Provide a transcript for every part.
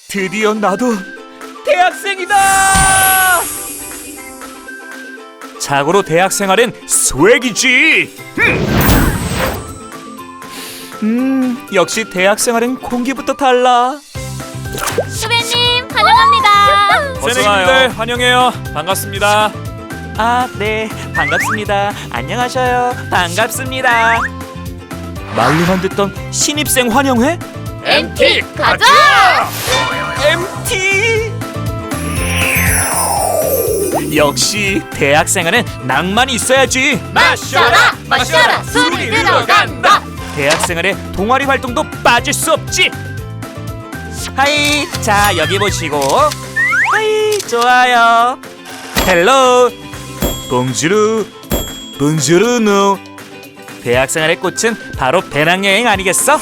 드디어 나도 대학생이다! 자고로 대학생활은 스웩이지. 역시 대학생활은 공기부터 달라. 후배님 환영합니다. 선생님들 환영해요. 반갑습니다. 아, 네, 반갑습니다. 안녕하셔요. 반갑습니다. 말로만 듣던 신입생 환영회? MT 가자! MT! 역시 대학생활은 낭만이 있어야지. 마셔라 마셔라 술이 들어간다. 대학생활에 동아리 활동도 빠질 수 없지. 하이, 자 여기 보시고. 하이, 좋아요. 헬로, 봉주루, 봉주루누. 대학생활의 꽃은 바로 배낭여행 아니겠어?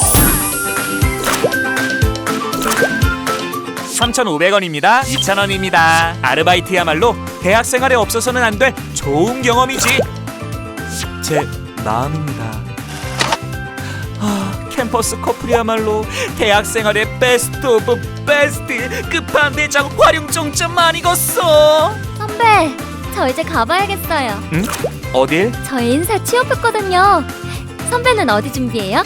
3,500원입니다. 2,000원입니다. 아르바이트야말로 대학생활에 없어서는 안 될 좋은 경험이지. 제 마음입니다. 캠퍼스 커플이야말로 대학생활의 베스트 오브 베스트, 끝판대장 활용정점 아니겠어? 선배, 저 이제 가봐야겠어요. 응? 어딜? 저희 인사 취업했거든요. 선배는 어디 준비해요?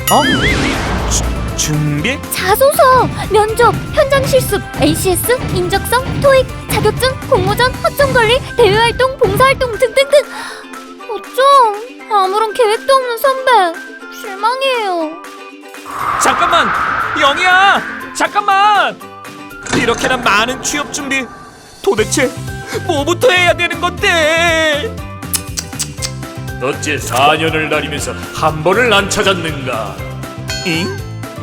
준비? 자소서, 면접, 현장 실습, ACS, 인적성, 토익, 자격증, 공모전, 허점관리, 대외활동, 봉사활동 등등등. 어쩜 아무런 계획도 없는 선배, 실망이에요. 잠깐만! 영희야! 잠깐만! 이렇게나 많은 취업 준비, 도대체 뭐부터 해야 되는 건데? 어째 4년을 다니면서 한 번을 안 찾았는가? 잉?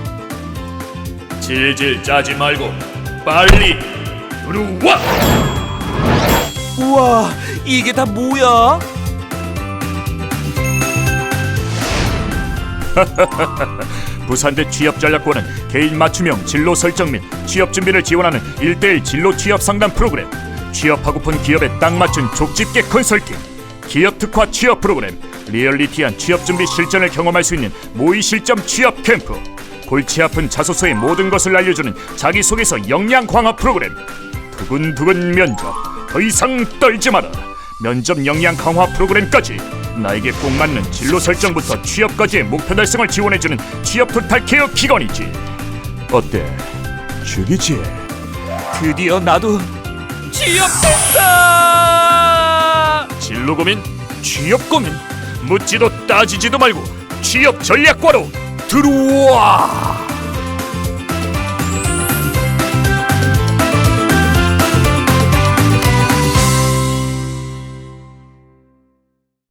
질질 짜지 말고 빨리 들어와! 우와, 이게 다 뭐야? 부산대 취업전략원은 개인 맞춤형 진로 설정 및 취업 준비를 지원하는 1:1 진로 취업 상담 프로그램, 취업하고픈 기업에 딱 맞춘 족집게 컨설팅, 기업 특화 취업 프로그램, 리얼리티한 취업 준비 실전을 경험할 수 있는 모의 실점 취업 캠프, 골치 아픈 자소서의 모든 것을 알려주는 자기소개서 역량 강화 프로그램, 두근두근 면접, 더 이상 떨지 마라 면접 역량 강화 프로그램까지, 나에게 꼭 맞는 진로 설정부터 취업까지의 목표 달성을 지원해주는 취업 토탈 케어 기관이지. 어때? 죽이지? 드디어 나도 취업했어! 진로 고민, 취업 고민, 묻지도 따지지도 말고 취업 전략과로 들어와!